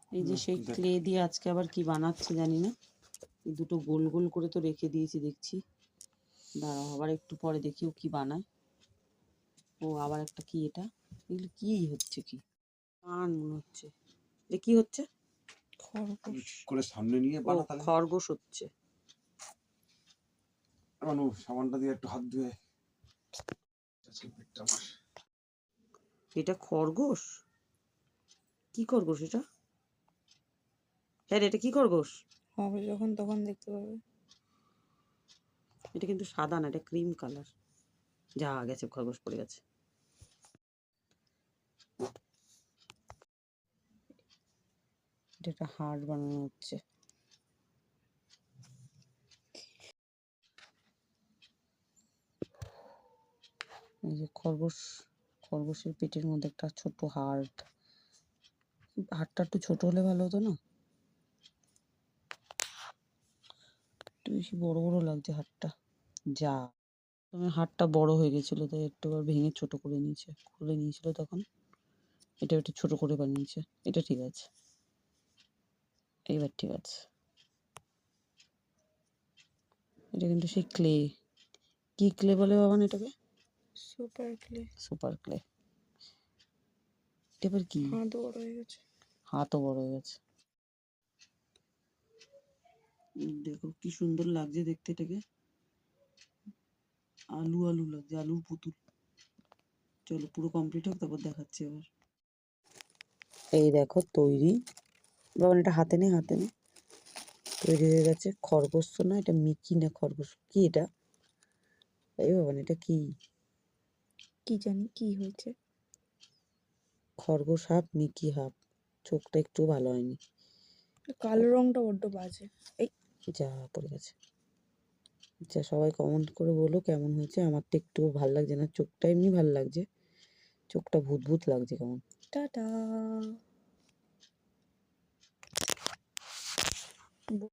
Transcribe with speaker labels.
Speaker 1: এই যে সেই ক্লে দিয়ে আজকে আবার কি বানাচ্ছে জানি না। এই দুটো গোল গোল করে তো রেখে দিয়েছি দেখছি। দাঁড়াও আবার একটু পরে দেখি ও কি বানায়। ও আবার একটা কি এটা, এগুলো কি হচ্ছে, কি কান মনে হচ্ছে। এ কি হচ্ছে?
Speaker 2: খরগোশ করে সামনে নিয়ে
Speaker 1: ও খরগোশ হচ্ছে।
Speaker 2: মানু সাবানটা দিয়ে একটু হাত ধুয়ে।
Speaker 1: এটা খরগোশ? কি খরগোশ এটা? হ্যাঁ এটা কি খরগোশ?
Speaker 3: হবে যখন তখন দেখতে পাবে।
Speaker 1: এটা কিন্তু সাদা না, এটা ক্রিম কালার। যা গেছে, খরগোশ পড়ে গেছে। এটা একটা হার্ট বানানো হচ্ছে। এই যে খরগোশের পেটের মধ্যে একটা ছোট হার্ট। হার্টটা একটু ছোট হলে ভালো হতো না? একটু বেশি বড় বড় লাগছে হার্টটা। যা তোমার হার্টটা বড় হয়ে গেছিল, তাই একটু ভেঙে ছোট করে নিয়েছে, খুলে নিয়েছিল তখন। এটা একটু ছোট করে বানিয়েছে। এটা ঠিক আছে, এইবার ঠিক আছে। এটা কিন্তু সেই ক্লে। কি ক্লে বলে বাবান এটাকে?
Speaker 3: Super clay.
Speaker 1: Super clay. এটা এবার কি?
Speaker 3: হাতও বড় হয়ে গেছে।
Speaker 1: হাতও বড় হয়ে গেছে। দেখো কি সুন্দর লাগছে দেখতে এটাকে। আলু আলু লাগছে, আলুর পুতুল। চলো পুরো কমপ্লিট হোক, তারপর দেখাচ্ছি আবার। এই দেখো তৈরি। বাবা এটা হাতে নে, হাতে নে। তৈরি হয়ে গেছে। খরগোশ তো না, এটা মিকি না খরগোশ, কি এটা? এই বাবা এটা কি?
Speaker 3: কি জানি কি হয়েছে।
Speaker 1: খরগোশ হাফ, মিকি হাফ। চোখটা একটু ভালো হয়নি।
Speaker 3: কালো রংটা বড্ড বাজে। এই
Speaker 1: যা পড়ে গেছে। আচ্ছা সবাই কমেন্ট করে বলো কেমন হয়েছে। আমার তো একটু ভালো লাগছে না, চোখটা এমনি ভালো লাগছে, চোখটা ভূত ভূত লাগছে কেমন।
Speaker 3: টাটা।